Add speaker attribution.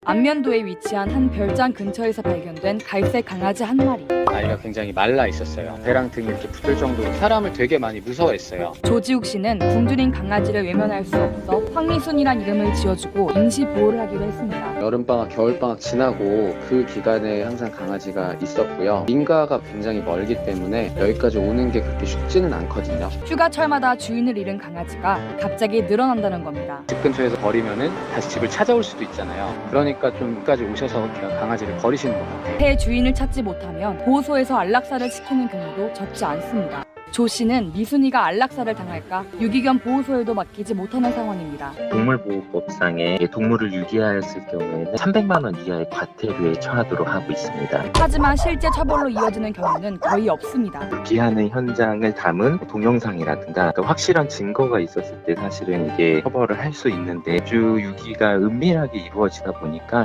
Speaker 1: 안면도에 위치한 한 별장 근처에서 발견된 갈색 강아지 한 마리.
Speaker 2: 아이가 굉장히 말라 있었어요. 배랑 등이 이렇게 붙을 정도로 사람을 되게 많이 무서워했어요.
Speaker 1: 조지욱 씨는 굶주린 강아지를 외면할 수 없어 황리순이란 이름을 지어주고 임시 보호를 하기로 했습니다.
Speaker 3: 여름방학, 겨울방학 지나고 그 기간에 항상 강아지가 있었고요. 민가가 굉장히 멀기 때문에 여기까지 오는 게 그렇게 쉽지는 않거든요.
Speaker 1: 휴가철마다 주인을 잃은 강아지가 갑자기 늘어난다는 겁니다.
Speaker 2: 집 근처에서 버리면은 다시 집을 찾아올 수도 있잖아요. 그러니까 좀 여기까지 오셔서 그냥 강아지를 버리시는 것 같아요.
Speaker 1: 새 주인을 찾지 못하면 보호소에서 안락사를 시키는 경우도 적지 않습니다. 조 씨는 미순이가 안락사를 당할까 유기견 보호소에도 맡기지 못하는 상황입니다.
Speaker 4: 동물보호법상에 동물을 유기하였을 경우에는 300만 원 이하의 과태료에 처하도록 하고 있습니다.
Speaker 1: 하지만 실제 처벌로 이어지는 경우는 거의 없습니다.
Speaker 4: 유기하는 현장을 담은 동영상이라든가 확실한 증거가 있었을 때 사실은 이게 처벌을 할 수 있는데 아주 유기가 은밀하게 이루어지다 보니까